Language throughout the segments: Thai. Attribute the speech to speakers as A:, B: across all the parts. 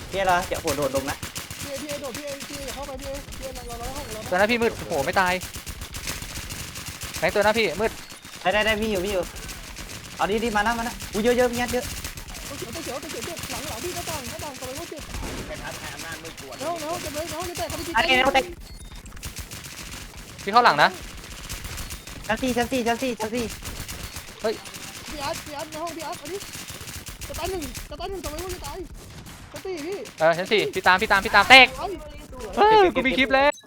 A: พี่เราเดี๋ยวโดดลงนะ
B: พี่โดดพี่เข้าไปพี่เราห้องเรา
C: ตัวหน้าพี่มืดโหไม่ตายแบงค์ตัวหน้าพี่มืด
A: ได้พี่อยู่เอาดีมานะอุ้ยเยอะพี่เยอะ
B: เขียวหลังพี่ก็ต่างต่อไปว่าเจ็บ
D: เป็นทัศน์อำนาจมืดปวด
B: แล้วจะเลยจะแตกเขาไปที
A: อันนี้เราแตก
C: พี่เข้าหลังนะ
A: ชั้นสี่
B: พี่อาร์ตในห้องพี่อาร์ตอันนี้จะตายหนึ่งต่อไปว่าจะตายจะตีพี่
C: ชั้น 4พี่ตามแตกกูมีคลิปแล้ว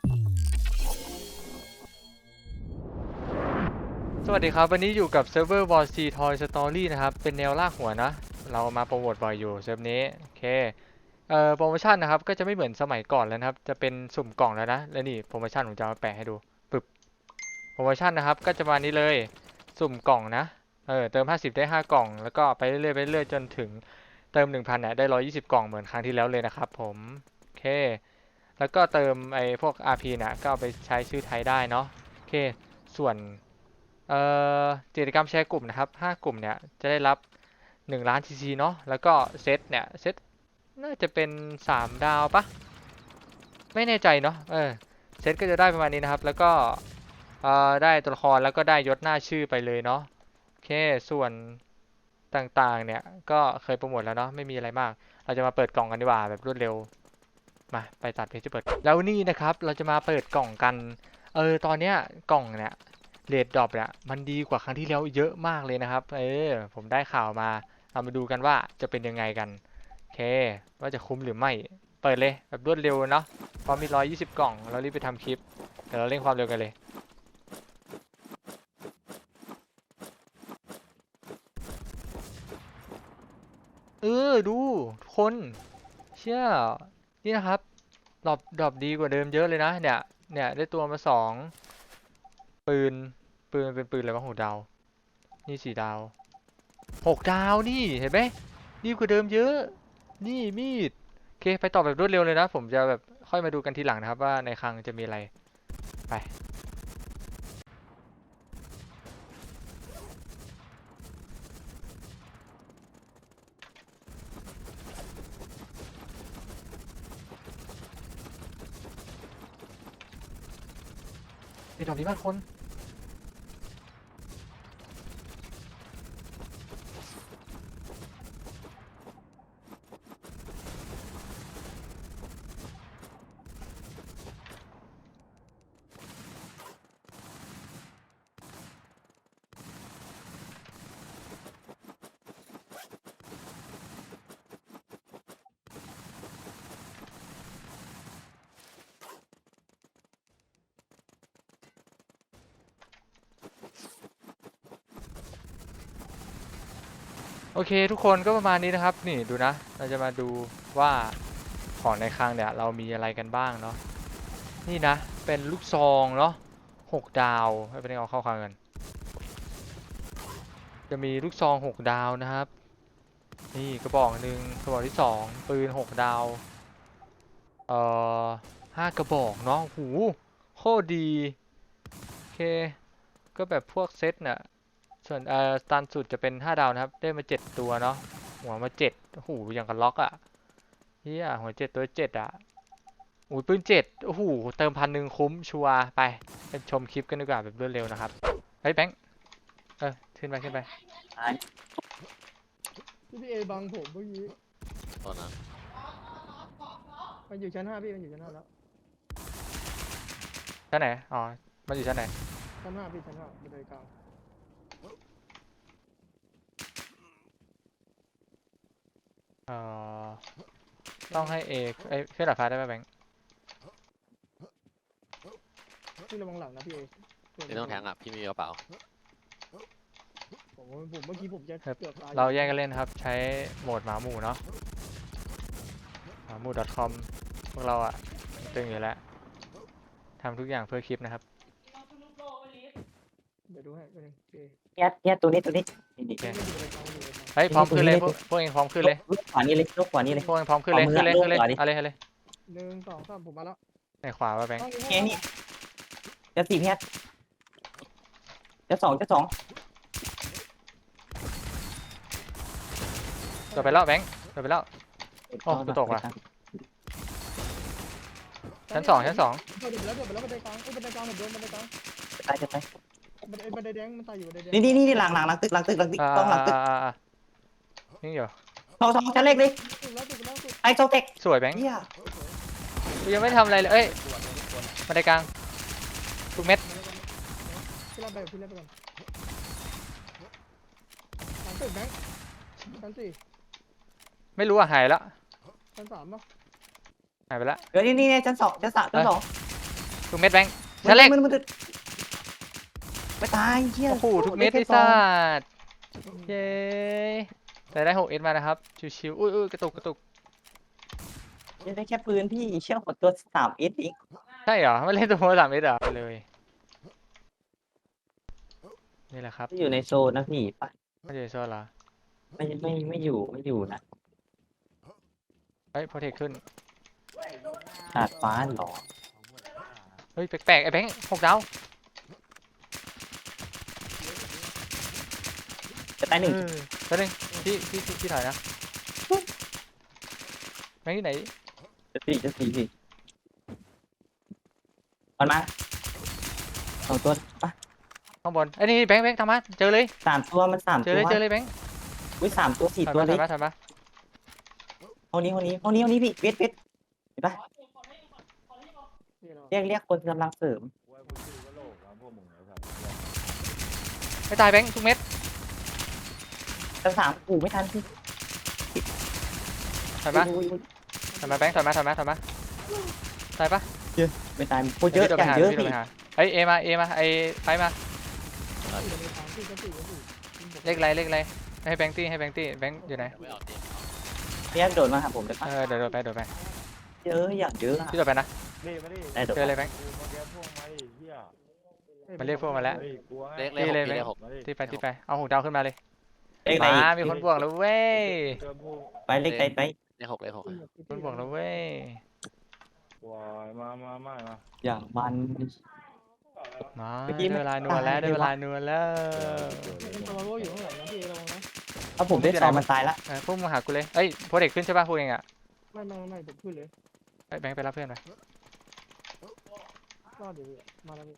C: สวัสดีครับวันนี้อยู่กับเซิร์ฟเวอร์ War C Toy Story นะครับเป็นแนวลากหัวนะเรามาโปรโมทบ่อยอยู่เซิร์ฟนี้โอเคโปรโมชั่นนะครับก็จะไม่เหมือนสมัยก่อนแล้วนะครับจะเป็นสุ่มกล่องแล้วนะและนี่โปรโมชั่นผมจะมาแปะให้ดูปึ๊บโปรโมชั่นนะครับก็จะมานี้เลยสุ่มกล่องนะเติม50ได้5กล่องแล้วก็ไปเรื่อยจนถึงเติม 1,000 เนี่ยได้120กล่องเหมือนครั้งที่แล้วเลยนะครับผมโอเคแล้วก็เติมไอ้พวก RP เนี่ยก็เอาไปใช้ชื่อไทยได้เนาะโอเคส่วนกิจกรรมแชร์กลุ่มนะครับ5กลุ่มเนี่ยจะได้รับ1ล้าน TC เนาะแล้วก็เซตเนี่ยเซตน่าจะเป็น3ดาวปะไม่แน่ใจเนาะเซตก็จะได้ประมาณนี้นะครับแล้วก็ได้ตัวละครแล้วก็ได้ยศหน้าชื่อไปเลยเนาะโอเคส่วนต่างๆเนี่ยก็เคยโปรโมทแล้วเนาะไม่มีอะไรมากเราจะมาเปิดกล่องกันดีกว่าแบบรวดเร็วมาไปตัดเพจจะเปิดแล้วนี่นะครับเราจะมาเปิดกล่องกันตอนเนี้ยกล่องเนี่ยเรทดรอปเนี่ยมันดีกว่าครั้งที่แล้วเยอะมากเลยนะครับผมได้ข่าวมาเรามาดูกันว่าจะเป็นยังไงกันโอเคว่าจะคุ้มหรือไม่เปิดเลยแบบรวดเร็วเนาะพอมี120กล่องเรารีบไปทำคลิปเดี๋ยวเราเร่งความเร็วกันเลยดูทุกคนเชื่อนี่นะครับดรอปดีกว่าเดิมเยอะเลยนะเนี่ยได้ตัวมา2ปืนเป็นปืนอะไรวะ6 ดาวนี่4 ดาว6 ดาวนี่เห็นไหมดีกว่าเดิมเยอะนี่มีดโอเคไปต่อแบบรวดเร็วเลยนะผมจะแบบค่อยมาดูกันทีหลังนะครับว่าในคลังจะมีอะไรไปดรอปดีมากคนโอเคทุกคนก็ประมาณนี้นะครับนี่ดูนะเราจะมาดูว่าของในคลังเนี่ยเรามีอะไรกันบ้างเนาะนี่นะเป็นลูกซองเนาะ6 ดาวให้ไปเอาเข้าคลังกันจะมีลูกซอง6 ดาวนะครับนี่กระบอกหนึ่งกระบอกที่2ปืน6 ดาว5 กระบอกเนาะหูโคตรดีโอเคก็แบบพวกเซตเนี่ยส่วนสตันสุดจะเป็น5 ดาวนะครับได้มา7ตัวเนาะหัวมา7โอ้โหอย่างกับล็อกอ่ะเฮียหัว7ตัว7อ่ะอุ้ยปืน7โอ้โหเติม1,000คุ้มชัวร์ไปชมคลิปกันดีกว่าแบบรวดเร็วนะครับเฮ้ยแบงค์ขึ้นไป
B: พี่เอบังผมเมื่อกี้
D: ตอนนั้น
B: มันอยู่ชั้น5พี่มันอยู่ชั้น5แล้ว
C: ชั้นไหนอ๋อมันอยู่ชั้นไหน
B: ชั้น5พี่ชั้น5บันไดกลาง
C: ต้องให้เอกขึ้นดาดฟ้าได้ไหมแบงค์
B: พี่ระวังหลังนะพี่เอ
D: ไม่ต้องแทงอ่ะพี่มีกระเป๋า
B: ผมเมื่อกี้ผมจะเกือบตาย
C: เราแยกกันเล่นครับใช้โหมดหมาหมู่เนาะหมาหมู่ .com พวกเราอะตึงอยู่แล้วทำทุกอย่างเพื่อคลิปนะครับ
B: เดี๋ยวดูให้ตัวนึงพี่
A: เนี่ยตัวนี้นี่
C: เฮ้ยพร้อมขึ้นเลยพวกเองพร้อมขึ้นเลย
A: ลูกขวานี้เลยพวกเอง
C: พร้อมขึ้นเลยอะไร
B: 1 2 3ผมมาแล้ว
C: ในขวาว่าแบงค์
A: นี่จะ4พี่จะ2
C: ตัวไปแล้วแบงค์ตัวไปแล้วโอ้กูตกว่ะชั้นสองชั้นสอง
B: เดี๋ยวแล้วบันไดกลางบันไดกลางผมโดนบันไดกลาง
A: จะตายจะตาย
B: บันไดแดงมันตายอยู่บันไดแดง
A: นี่หลังตึกต้องหลังตึก
C: นี่อยู่
A: ทองชั้นเล็กดิ
B: ตึกแล้วสุด
A: ไอ้โซเทค
C: สวยแบงค์
A: เฮีย
C: กูยังไม่ทำอะไรเลยเอ้ยบันไดกลางทุกเม็ด
B: พี่รับไปก่อนตึกแบงค์ชั้นสี่
C: ไม่รู้อ่ะหายแล้ว
B: ชั้นสามป่ะ
C: หายไปแล้ว
A: เดี๋ยวนี่ชั้นสองชั้นสอง
C: ทุกเม็ดแบงค์ชั้นเล็ก
A: มันไม่ตายเฮีย
C: โอ้โหทุกเม็ดไอ้สัสเย้แต่ได้6 S มานะครับชิวๆอุ้ยกระตุก
A: ยังได้แค่ปืนพี่เชี่ยวกดตัว3 S อีก
C: ใช่เหรอไม่เล่นตัว3 Sเหรอไปเลยนี่แหละครับ
A: อยู่ในโซนนะพี่ไป
C: ไม่ใช่โซนเหรอ
A: ไม่อยู่นะ
C: เฮ้ยโปรเทคขึ้น
A: ดาดฟ้าหรอ
C: เฮ้ยแปลกๆไอ้แบงค์6 ดาว
A: จะตายหนึ่ง
C: ตัวหนึ่งพี่ถ่ายนะแบงค์ที่ไหน
A: จะสี่พี่มันมา2 ตัวปะ
C: ข้างบนไอ้นี่แบงค์ตามมาเจอเลย
A: 3 ตัวมัน3
C: เจ
A: ตั
C: อ
A: ว
C: เลยแบงค์
A: อุ้ย3 ตัว 4 ตัวเลย
C: ถ่ายมา
A: ห้องนี้พี่เวทเห็นปะเรียกคนกำลังเสริม
C: ไม่ตายแบงค์ทุกเม็ด
A: ชั้น3กูไม่ทันพี่
C: ถ่ายมาแบงค์ถ่ายมาตายปะ
A: ไม่ตายโคตรเยอะอย่างเยอะพี่
C: เฮ้ยเอมาไอ้ไปมาเลขอะไรให้แบงค์ตี้แบงค์อยู่ไหน
D: ไม่เอาตี
A: เรียกโดดมาหาผมได้ปะ
C: เดี๋ยวไป
A: เยอะอย่างเยอะ
C: พี่โดดไปนะ
A: ได้โดด
C: เจอเลยแบงค์มันเรียกพวกมาแล้ว
D: เลข
C: ตีเลย
D: เลขหก
C: ที่ไปเอา6 ดาวขึ้นมาเลย
A: เลขไหน
C: มามีคนบวกแล้วเว้ย
A: ไปเลขไหนไป
D: เลขหก
C: คนบวกแล้วเว้ย
E: มา
A: อย่างมัน
C: มาได้เวลานัวแล้ว
B: มันตัวโล่อยู่ข้างหลังนะพี่ระวังนะ
A: ถ้าผมได้ซองมันตายละ
C: พวกมึงหากูเลยเอ้ยโปรเด็กขึ้นใช่ป่ะพวกเองอ่ะ
B: ไม่ผมขึ้นเลย
C: แบงค์ไปรับเพื่อนไป
B: รอดเดี๋ยวมาแล้วพี่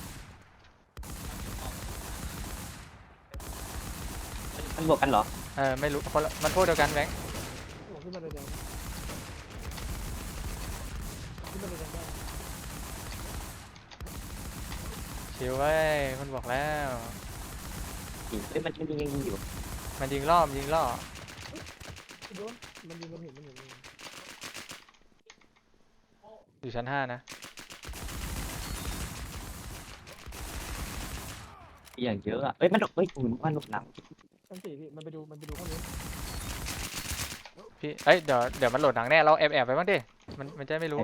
A: มันบวกกันเหรอ
C: ไม่รู้คนละมันพวกเดียวกันแบงค์
B: ผมขึ้นบันไดแดงขึ้นบันไดแดงได้
C: ชิวเว้ยคนบอกแล้ว
A: เฮ้ยมันยังอยู่
C: มันยิงล่อ
B: โดนมันยิงมันเห็น
C: อยู่ชั้น5นะ
A: อย่างเยอะอ่ะเอ้ยมันเฮ้ยคุณว่าหนุกหนัง
B: ชั้นสี่พี่มันไปดูข้างนี้
C: พี่เอ้ยเดี๋ยวมันโหลดหนังแน่เราแอบไปบ้างดิมันจะไม่รู้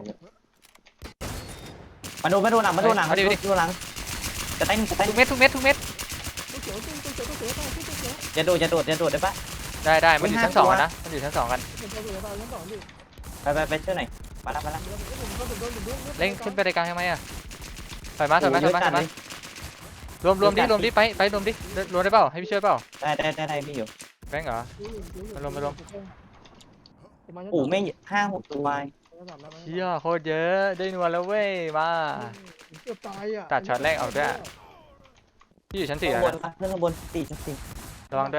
A: มาโดนหลังจะได้
C: ทุกเม็ด
B: ตู้เขียวตู้เขียว
A: จะโดดได้ปะ
C: ได้มันอยู่ชั้น 2กันนะมันอยู่ชั้น 2กัน
B: ผมจะเหลือตายชั้นสองพี่
A: ไปเชื่อไหนมาละ
B: ผมโดน
C: เล่งขึ้นไปในกลางทำไมอ่ะถอยมารวมดิไปรวมดิรวมได้เปล่าให้พี่ช่วยเปล่า
A: ได้พี่อยู่
C: แบงค์เหรอ
A: โอ้ไม่5-6 ตัว
C: เชี่ยโคตรเยอะได้นัวแล้วเว้ยมา
B: เกือบตายอ่ะ
C: ตัดช็อตแรกเอาด้วยพี่อยู่ชั้น4
A: ข้า
C: แล้ว
A: งบน
C: นะ
A: เรื่องข้างบนชั้น
C: ระวังด้วย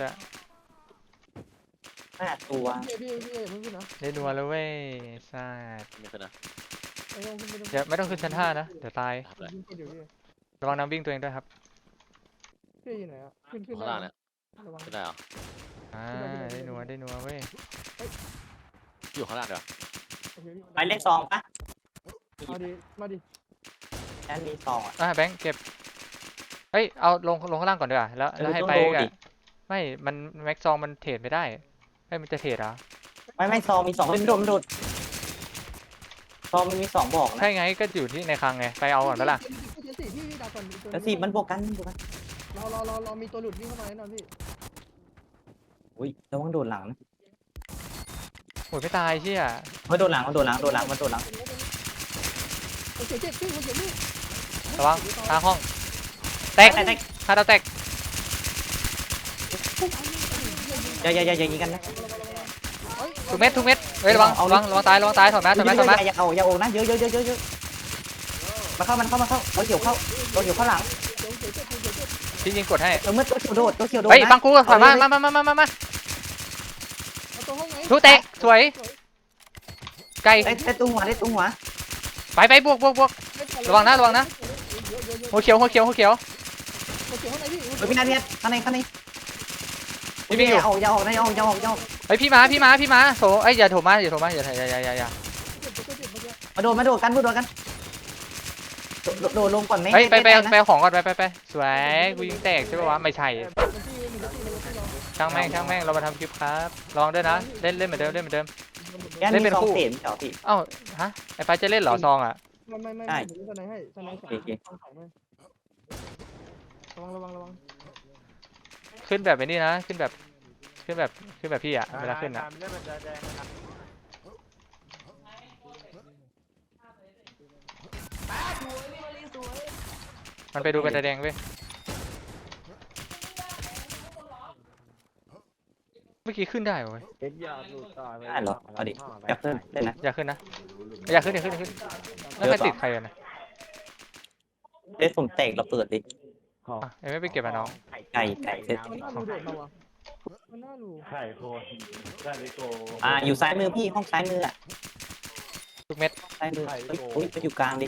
A: 5 ตัว
B: พี่เพิ่งขึ้นนะ
C: ได้นัวแล้วเว้ยซ่า
D: ไม่ขึ้นนะ
C: เดี๋ยวไม่ต้องขึ้นชั้น5นะเดี๋ยวตาย
D: ทำเลย
C: ระวังน้ำวิ่งตัวเองด้วยครับ
B: พี่อยู่ไหนอ่ะขึ้น
D: ข้างล่างเนี่ย
B: ระวัง
D: ขึ้นได้เหรอ
C: ได้นัวเว้ย
D: อยู่ข้างล่างเดี๋ยว
A: ไปเลขซองปะ
B: มาดิ
A: นั่นมีซองอ่ะ
C: แบงค์เก็บเฮ้ยเอาลงข้างล่างก่อนดีกว่าแล้วให้ไปกันไม่มันแม็กซองมันเทรดไม่ได้มันจะเทรดเหรอ
A: ไม่ซองมี2ไม่โดดซองมันมี2บอกนะ
C: ใช่ไงก็อยู่ที่ในคลังไงไปเอาก่อนปะล่ะ
B: พี่ดักก่อน
A: แล้ว4มันบวกกัน
B: เรามีตัวหลุดวิ่งเข้ามาแน่นอนพี่
A: อุ้ยระวังโดนหลังนะ
C: โอ้ยไม่ตายเชี่ย
A: มันโดนหลัง
B: เจ็บพี่คนเจ็บพี่
C: ระวังทางห้องแตกคาดาวแตก
A: อย่ายิงกันนะ
B: เฮ้ย
C: ทุกเม็ดเฮ้ยระวังตายถอดมา
A: อย่าเอานะเยอะมาเข้าตัวเขียวเข้าหลัง
C: พี่ยิงกดให้
A: เมื่อตัวเขียวโดดนะ
C: เฮ้ยบังกูถอยมา
B: เอาตัวห้องไหน
C: ลูกเตะสวยไกล
A: ได้ตุ้งหัว
C: ไปบวกระวังนะหัวเขียว
B: ตัวเขียวข้างในพี่
A: พี่นัทข้างใน
C: พี่วิ่งอยู่
A: อย่าออก
C: เฮ้ยพี่มาโถเอ้ยอย่าโถมาอย่า
A: มาโดดกันโดดลงก่อนไหม
C: เฮ้ยไปของก่อนไปสวยกูยิงแตกใช่ป่าวะไม่ใช่ช่างแม่งเรามาทำคลิปครับลองด้วยนะเล่นเหมือนเดิม
A: เล่นเป็นคู่เต็มเหรอพี่
C: เอ้าฮะไอ้ไปจะเล่นเหรอซองอ่ะ
B: ไม่ผมจะไหนให้จะไหนระวัง
C: ขึ้นแบบไอ้นี่นะขึ้นแบบพี่อ่ะเวลาขึ้นอ่ะมันไปดูกระดาษแดงเว้ยเมื่อกี้ขึ้นได้เว้ย
A: ได้เหรอเอาดิอยากขึ้นได้นะ
C: อย่าขึ้นแล้วใครติดใครกันนะ
A: เล่นผมแตกเราเปิดดิ
C: อ่ะเอ็มไม่ไปเก็บอ่ะน้อง
A: ไก่เสร็จ
B: มันน่าดูโดดมาวะมันน่าดู
A: อยู่ซ้ายมือพี่ห้องซ้ายมืออ่ะ
C: ทุกเม็ด
A: ซ้ายมืออุ้ยไปอยู่กลางดิ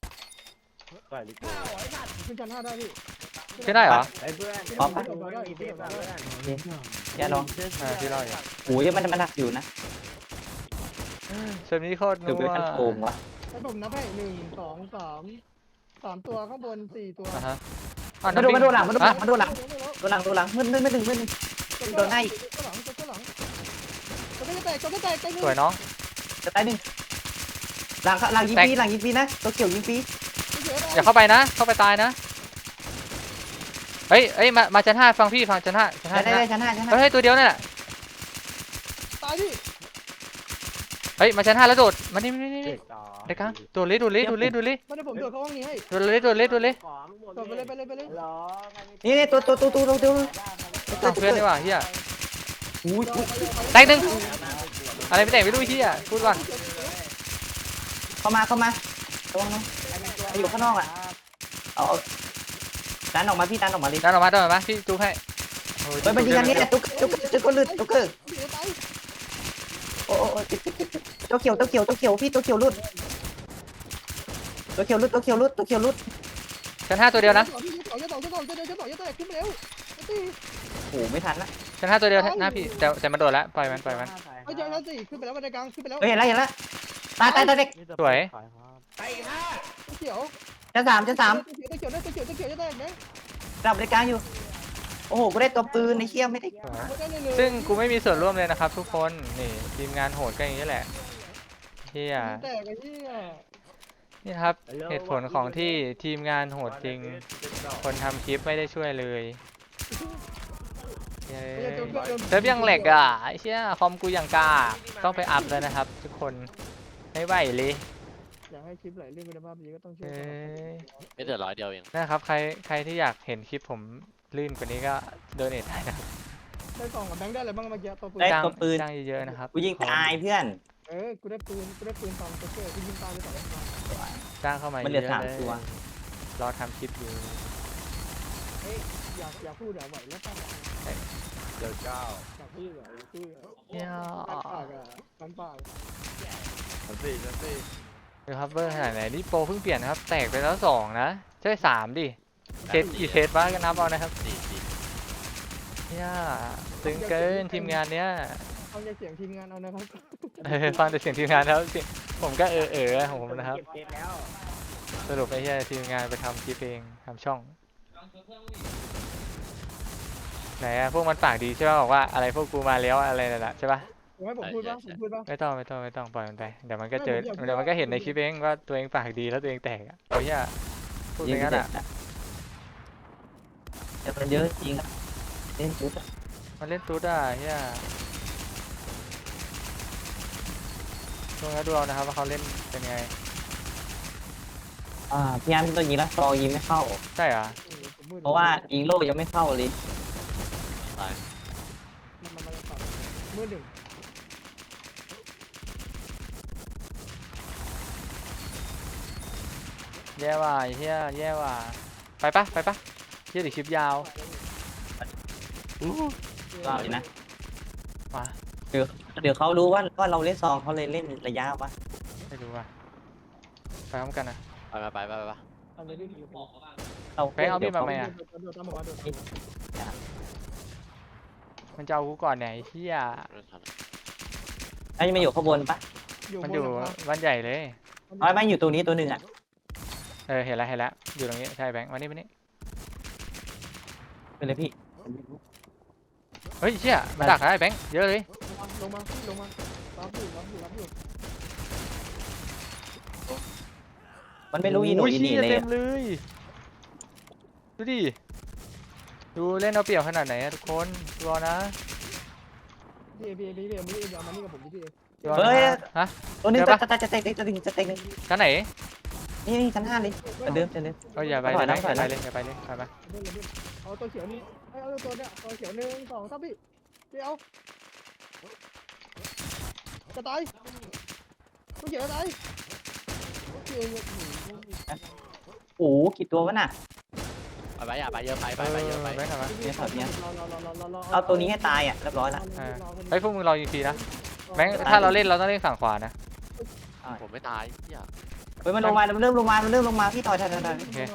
B: ขึ้นชั้น5ได้พี่
C: ขึ้นได้เหรอ
A: พร้อมปะ
B: ได้
A: อย่าลอง
C: พี่รอดอยู่
A: โอ้ยมันหนักอยู่นะ
C: เซิร์ฟนี้โคตร
A: เดี๋ยว
C: นั
A: ไป
C: ว
A: ขั้นโกงวะ
B: ให้ผมนับให้1 2 3ตัวข้างบน4ตัว
C: อ่ะฮะ
A: มาโดนหลัง
C: อ่ะ
A: มืดโดนให้
B: ตัวหลังตัวไม่แตกแตก
C: สวยน้อง
A: จะตายหนึ่งหลังยิงปีนะตัวเขียวยิงปี
C: อย่าเข้าไปนะเข้าไปตายนะเฮ้ยมาชั้น5ฟังพี่ฟังชั้น5
A: ได้ชั้นห้า
C: เฮ้ยตัวเดียวนั่นแหละ
B: ตายพี่
C: เฮ้ยมาชั้น5แล้วโดดมานี่ได้กลางโดดเลย
B: ไม่ได้ผมโดดเข้าห้องนี้ให้
C: โดดเลย
B: โดดไปเลย
A: นี่ตัว
C: เพื่อนดีกว่าเฮีย
A: อุ้ย
C: แตกหนึ่งอะไรไม่แตกไม่รู้เฮียพูดก่อน
A: เข้ามาระวังนะอยู่ข้างนอกอ่ะเอาดันออกมาพี่ดันออกมาดิ
C: ดันออกมาพี่จูให้
A: เฮ้ยมันยิงกันนี่ตุ๊กก็หลุดตุ๊กเกอร์โอ้ตัวเขียวพี่ตัวเขียวหลุด
C: ชั้น5ตัวเดียวนะ
B: จะต่อขึ้นไปแล้ว
A: โอ้ไม่ทันละ
C: ชั้น5ตัวเดียวนะพี่แต่มันโดดแล้วปล่อยมัน
B: ไอ้เจ้านั่นสิขึ้นไปแล้วบันไดกลางขึ้นไปแล้ว
A: เฮ้ยเห็นแล้วตายเด็ก
C: สวย
B: เขียว
A: จะสาม
B: ตัวเขียวจะแตกไหม
A: กลับในกลางอยู่โอ้โหกูได้ตัวปืนในเชี่ยไม่ได้
C: ซึ่งกูไม่มีส่วนร่วมเลยนะครับทุกคนนี่ทีมงานโหดก็อย่างนี้แหละเฮีย
B: แตกไอ้เหี้ย
C: นี่ครับเหตุผลของที่ทีมงานโหดจริงคนทำคลิปไม่ได้ช่วยเลยเซิร์ฟยังแหลกอ่ะไอ้เชี่ยคอมกูยังกาต้องไปอัพแล้วนะครับทุกคนไม่ไหวเลย
B: อยากให้คลิปไหลเรื่องคุณภาพดีก็ต้องช่วย
D: ไม่เดือด100เดียวเอง
C: นะครับใครที่อยากเห็นคลิปผมลื่นกว่านี้ก็โดเนทได้นะครับ
B: ได้กล่องกับแบงค์ได้อะไรบ้างเมื่อกี้ตัวปืน
A: ได้ตัวปืน
C: จ้างเยอะๆนะครับ
A: กูยิงตายเพื่อน
B: กูได้ปืน2ตัวเกอร์กูยิงตายไป2
C: จ้างเข้ามา
A: มันเหลื
C: เย
A: อ
C: อะ
A: 3
C: ๆเลย
A: ตัว
C: รอทำคลิปอยู่
B: อยากพูดไหวแล้วป่ะ
D: เดือดเก้า
B: อยากพูดพูด
C: เนี่ย
B: กันปาก
C: ดูครับเบอร์ขนาดไหนนี่โปรเพิ่งเปลี่ยนนะครับแตกไปแล้ว2นะใช่3ดิเคสกี่เคสบ้างก็นับเอานะครับ เนี่ยตึงเกินทีมงานเนี้ย
B: ฟังเสียงทีมงานเอานะครับ
C: ฟังแต่เสียงทีมงานแล้วผมก็ของผมนะครับสรุปไอ้เหี้ยทีมงานไปทำคลิปเองทำช่องไหนอะพวกมันปากดีใช่ป่ะบอกว่าอะไรพวกกูมาแล้วอะไรนั่นแหละใช่ป่ะ
B: ผมให้ผมพูดป่ะ
C: ไม่ต้องปล่อยมันไปเดี๋ยวมันก็เจอเดี๋ยวมันก็เห็นในคลิปเองว่าตัวเองปากดีแล้วตัวเองแตกอะโอ้ยเหี้ยพูดอย่างนั้นอะ
A: แต่มันเยอะจริงเล่นจุด
C: มันเล่นตุ๊ดอะเหี้ยดูเอานะครับว่าเขาเล่นเป็นไง
A: พี่อันตัวยิงแล้วซอยิงไม่เข้า
C: ใช่เหรอ
A: เพราะว่ายิงโล่ยังไม่เข้าเลย
B: มือหนึ่ง
C: แย่ว่ะไอ้เฮียแย่ว่ะไปปะเฮียเดี๋ยวคลิปยาว
A: ก็เลยนะ
C: มา
A: เดี๋ยวเขารู้ว่าเราเล่นซองเขาเลยเล่นระยะวะ
C: ไม่รู้ว่ะไปพร้อมกันนะ
D: ไป
B: เอาเลยพี่อยู่
A: เรา
C: แบงค์เอาพี่มาไหม
B: โด
C: อ่ะ
B: ดตามผมมาโดด
C: มันจะเอากูก่อนเนี่ยไอ้เฮีย
D: ไม่ทัน
A: ไอ้ยมาอยู่ข้างบนปะ
C: มันอยู่บ้านใหญ่เลย
A: ไม่อยู่ตรงนี้ตัวหนึ่งอ่ะ
C: เห็นแล้วอยู่ตรงนี้ใช่แบงค์มานี่
A: เป็นเลยพี่
C: เฮ้ยเชี่ยมาดักได้แบงค์เยอะเลย
B: ลงมารับอยู่
A: มันไม่รู้อีโหน
C: โอ้ย
A: อี
C: เชี่
A: นี่
C: ย
A: เลย
C: เต็
A: อะ
C: มเลยดูดิดูเล่นเอาเปรียบขนาดไหนอะทุกคนรอนะ
B: พี่เดี๋ยวมานี่กับผมพี่
C: รอ
A: เฮ้ย
C: นะฮะ
A: ตัวหนึง
C: เดี๋ยวปะ
A: จะเตะจะเตะหนึ่ง
C: ชั้นไหน
A: นี่ชั้น 5เลยจะเดิม
C: เอ้ยอย่าไป
A: ถอยนะ
C: เลย
A: ถอยนะ
C: อย่าไปเลยไป
B: เอาตัวเขียวนี่เอาตัวเนี้ยตัวเขียว1 2 3พี่เอาจะตายตัวเขียวจะตาย
A: โอ้โหกี่ตัววะน่ะ
D: ไปอย่าไปเยอะไป
C: แบงค์ทำไม
A: เอาตัวนี้ให้ตายอ่ะเรียบร้อยละ
C: เฮ้ยพวกมึงรอยิงฟรีนะแบงค์ถ้าเราเล่นเราต้องเล่นฝั่งขวานะ
D: ผมไม่ตายเหี้ย
A: เฮ้ยมันลงมามันเริ่มลงมาพี่ถอย
B: มาพี่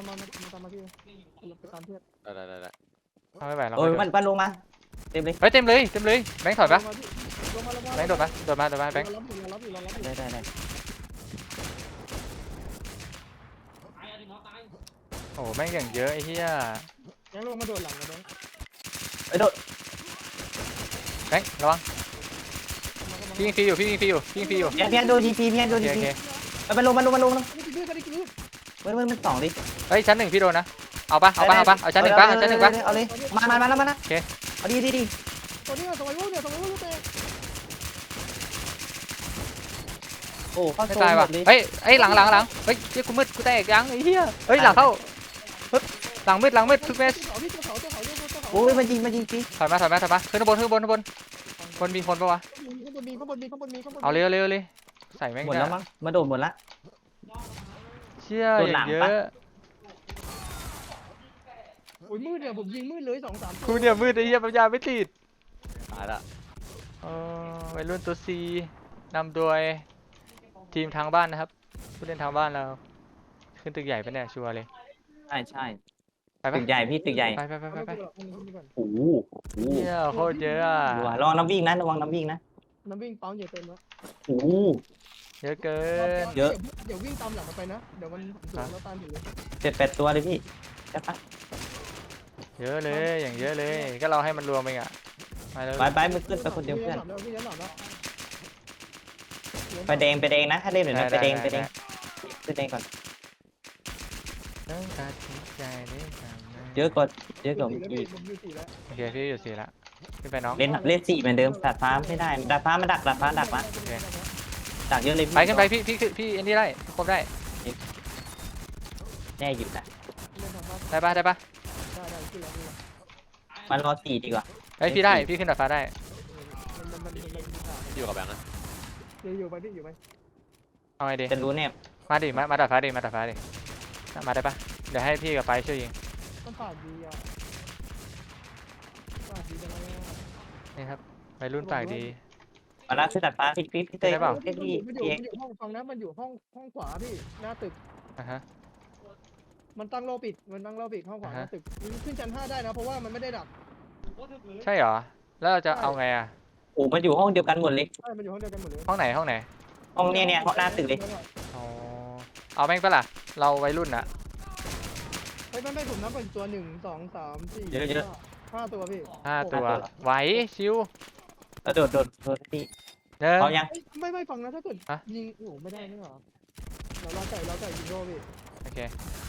B: ไปตามเพื่อน
D: ได้
C: เอาไม่ไหวเรา
A: โอ้ยมันลงมาเต็มเลย
C: เฮ้ยเต็มเลยแบงค์ถอยปะ
B: ลงมา
C: แบงค์โดดมาแบงค์
B: รับอยู่
A: ได้
C: โอ้แม่งอย่างเยอะไอ้เหี้ย
B: ยังลงมาโดดหลังนะแบงค์
A: เอ้ยโดด
C: แบงค์ระวังพี่ยิงฟรีอยู่
A: เพียนโดนทีพี
C: โอเค
A: มันลง
B: ไม่ได้กิน
A: มันสองดิ
C: เฮ้ยชั้น1พี่โดนนะเอาปะเอาชั้นหนึ่งปะ
A: เอาเลยมานะเอาดี
B: ตัวนี้สมัยวุ้นเนี่ยเตะ
A: โอ้เข้า
C: ไม่
A: โซน
C: ตาย
A: หม
C: ว่ะ
A: ดเลย
C: เฮ้ยหลังเฮ้ยเจ๊กูมืดกูแตกยังไอ้เหี้ยเฮ้ยหลังเข้าหลังมืดทุกเม็ด
A: โอ้ยมันยิงพี่
C: ถอยมาขึ้นข้างบนมีคนปะวะเอาเร็วใส่แม่ง
A: หมดแล้วมั้งมาโดดหมดละ
C: เชี่ย
A: โด
C: อน
A: หลั
C: ย่าง งเย
A: ปะ
C: อะ
B: โอ้ยมืดเนี่ยผมยิงมืดเลย2-3
C: กูเนี่ยมืดไอ้เหี้ยปัญญาไม่ติด
D: ตายละ
C: วัยรุ่นตัว C นำโดยทีมทางบ้านนะครับผู้เล่นทางบ้านเราขึ้นตึกใหญ่ปะเนี่ยชัวร์เลย
A: ใช่
C: ไปปะ
A: ตึกใหญ่พี่ตึกใหญ่
C: ไป
A: โอ้โห
C: เหี้ยโคตรเยอะอะ
A: ระวังน้ำวิ่งนะระวังน้ำวิ่งนะ
B: น้ำวิ่งปั๊มอย่าเต็มแล้ว
A: โอ้โห
C: เยอะเกิน
A: เยอะ
B: เดี๋ยววิ่งตามหลังไปนะเดี๋ยวมันแล้วตามอยู่เลย
A: 7-8ตัวเลยพี่ใช่ปะ
C: เยอะเลยอย่างเยอะเลยก็เราให้มันรวมเองอะมาเลย
A: ไปมึงขึ้นไปคนเดียวเพื่อน
B: พี่ยันหลับแล้ว
A: ไปแดงนะถ้าเล่นหน่อยนะไปแดงขึ้นแดงก่อน
C: ต้องตัดสินใจได้ทำไม
A: เยอะกว่าอีก
B: ผมอยู่4แล้ว
C: โอเคพี่อยู่สี่ละขึ้นไปน้อง
A: เล่น4เหมือนเดิมดาดฟ้าไม่ได้ดาดฟ้ามาดักมาดักเยอะเลย
C: ไปขึ้นไปพี่อันนี้ได้ครบได้
A: แน่อยู่นะ
C: ได้ปะ
B: ได้ขึ้นแล้ว
A: มารอ4ดีกว่า
C: เฮ้ยพี่ได้พี่ขึ้นดาดฟ้าได้
D: อยู่กับแบงค์นะ
B: อยู่ไปพี่อยู่ไป
C: เอาไงดี
A: จะรู้แน่
C: มาดิมาดาดฟ้าดิมาได้ปะเดี๋ยวให้พี่กับไปช่วยยิง
B: ต้องปาดดีอ่ะปาดดีจังเลย
C: นี่ครับวัยรุ่นปากดี
A: มาแล้วขึ้นดาดฟ้าพี่เต้ย
C: ได้เปล่า
A: เต้ยพี่
B: มันอยู่ห้องฟังนะมันอยู่ห้องขวาพี่หน้าตึก
C: อ่ะฮะ
B: มันตั้งโลปิดห้องขวาหน้าตึกขึ้นชั้น5ได้นะเพราะว่ามันไม่ได้ดัก
C: ใช่เหรอแล้วเราจะเอาไงอะ
A: โอ้มันอยู่ห้องเดียวกันหมดเลย
B: ใช่มันอยู่ห้องเดียวกันหมดเลย
C: ห้องไหน
A: ห้องเนี่ยห้องหน้าตึกเลย
C: อ๋อเอาแม่งปะล่ะเราวัยรุ่นอะ
B: ไม่ผมนับเป็นตัว1 2 3 4 5ตัวพี่
C: 5 ตัวไหวชิว
A: แล้วโดดพี่
C: เดิน
A: พร้อมยัง
B: ไม่ฟังนะถ้าเกิดยิงโอ้ไม่ได้นี่หรอเราใส่ยิงโดพี่
C: โอเค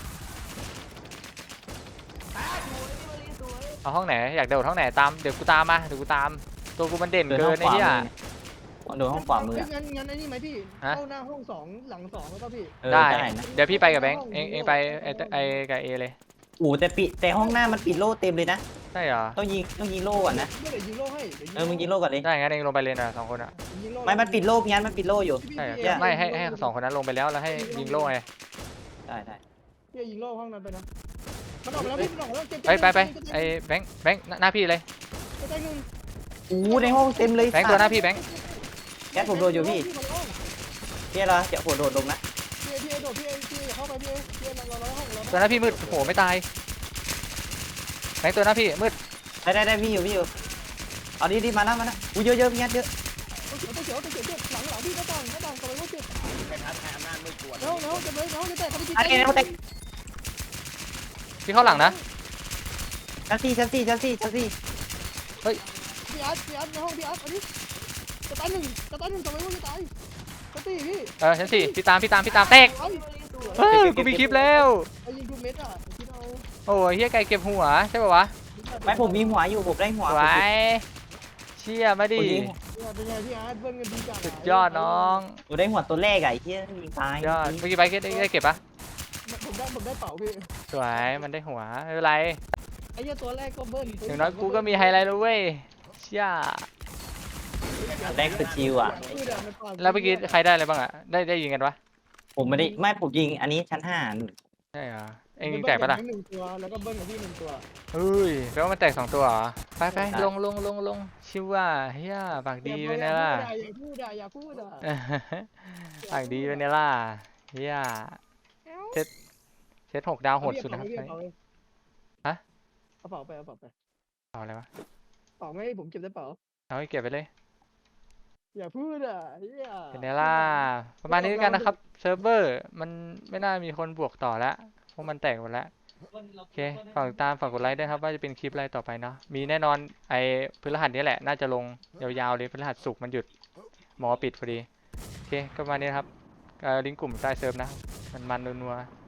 C: เอาห้องไหนอยากโดดห้องไหนตามเดี๋ยวกูตามมาตัวกูมันเด่น
A: เดิน
C: เกิ
A: ห้อน ง
C: ไอ้
A: ขวา
C: เหี้ย
A: มือโดนห้องขวามือ
B: งั้นไอ้นี่ไหมพี่เข้าหน้าห้อง2หลัง2แล้วก็พี่
C: ได้
A: ได้นะ
C: เดี๋ยวพี่ไปกับแบงค์เองไปไอกับเอเลย
A: โอ้แต่ห้องหน้ามันปิดโล่เต็มเลยนะ
C: ใช่เหรอ
A: ต้องยิงโล่ก่อนนะ
B: เดี๋ยวยิงโล่ให้
A: มึงยิงโล่ก่อนเลย
C: ได้งั้นเองลงไปเลยนะ2 คนอะ
A: ไม่มันปิดโล่งั้นมันปิดโล่อยู่
C: ใช่ไม่ให้2 คนนั้นลงไปแล้วให้ยิงโล่ไง
A: ได้
B: พี่ยิงโล่ห้องนั้นไปนะมันออกไปแล้วพี่มันออกไปแล้วเจ็บ
C: ไปไอ้แบงค์หน้าพี่เลย
B: จะตายหนึ่ง
A: อู้ในห้องเต็มเลย
C: แบงค์ตัวหน้าพี่แบงค์
A: แก๊สผมโดนอยู่พี่เพี่เหรอเดี๋ยวผมโดดลงนะ
B: พี่โดดพี่เข้าไปพี่เราห้องเรา
C: ตัวหน้าพี่มืดโหไม่ตายแบงค์ตัวหน้าพี่มืด
A: ได้พี่อยู่เอาดิมานะอู้เยอะพี่แก๊สเยอะ
B: เขียวหลังพี่หน้าต่างตัวไว้เจ็บ
E: เป็นท้าทายอำนาจมืดกวน
B: แล้วจะเลยแล้วจะแตกเขาไปกิน
A: อันนี้เขาเตะ
C: พี่เข้าหลังนะ
A: ชั้นสี่
B: พี่อาร์ตในห้องพี่อาร์ตอันนี้จะตายหนึ่งตัวไว้จะตายจะตีพี่
C: ชั้นสี่พี่ตามแตกกูมีคลิปแล้ว
B: ไอ้ยิงทุกเม็ดอ่ะคิดเอา
C: โอ้ยเฮียไก่เก็บหัวใช่ป่าวะ
A: ไม่ผมมีหัวอยู่ผมได้หัว
C: สวยเชี่ยมาดิ
B: เป็นไงพี่อาร์ตเบิ้ลเงินดีจัง
C: สุดยอดน้อง
A: ผมได้หัวตัวแรกไอ้ที่ยิงตาย
C: ยอดเมื่อกี้ไปได้เก็บปะ
B: ผมได้เป๋าพี่
C: สวยมันได้หัวไม่เป็นไร
B: ไอ้เหี้ยตัวแรกก็เบิ้ล
C: อย่างน้อยกูก็มีไฮไลท์แล้วเว้ยเชี่ย
A: แรกคือชิวอ่ะ
C: แล้วเมื่อกี้ใครได้อะไรบ้างอ่ะได้ยิงกันวะ
A: ผมไม่ได้ผมยิงอันนี้ชั้น5
C: ใช่เหรอเอ็งยิงแตกปะล่ะ
B: หนึ่งตัวแล้วก็เบิ้ลกับพี่หนึ่งตัว
C: เฮ้ยแปลว่ามันแตก2ตัวเหรอไปลงชิวว่าเฮียปากดีไปเนี่ยล่ะ
B: อย่าพูด
C: ปากดีไปเนี่ยล่ะเฮียเซต6 ดาวโหดสุดนะครับ
B: เอาเป๋าไป
C: เอาอะไรวะ
B: เป๋าไม่ผมเก็บได้เป๋า
C: เอาให้เก็บไปเลย
B: อย่าพูด
C: เป็นไงล่ะประมาณนี้กันนะครับเซิร์ฟเวอร์มันไม่น่ามีคนบวกต่อแล้วเพราะมันแตกหมดแล้วโอเคฝากติดตามฝากกดไลค์ด้วยครับว่าจะเป็นคลิปอะไรต่อไปเนาะมีแน่นอนไอ้พฤหัสนี้แหละน่าจะลงยาวๆเลยพฤหัสศุกร์มันหยุดหมอปิดพอดีโอเคก็ประมาณนี้นะครับลิงก์กลุ่มใต้เซิร์ฟนะมันนัวๆ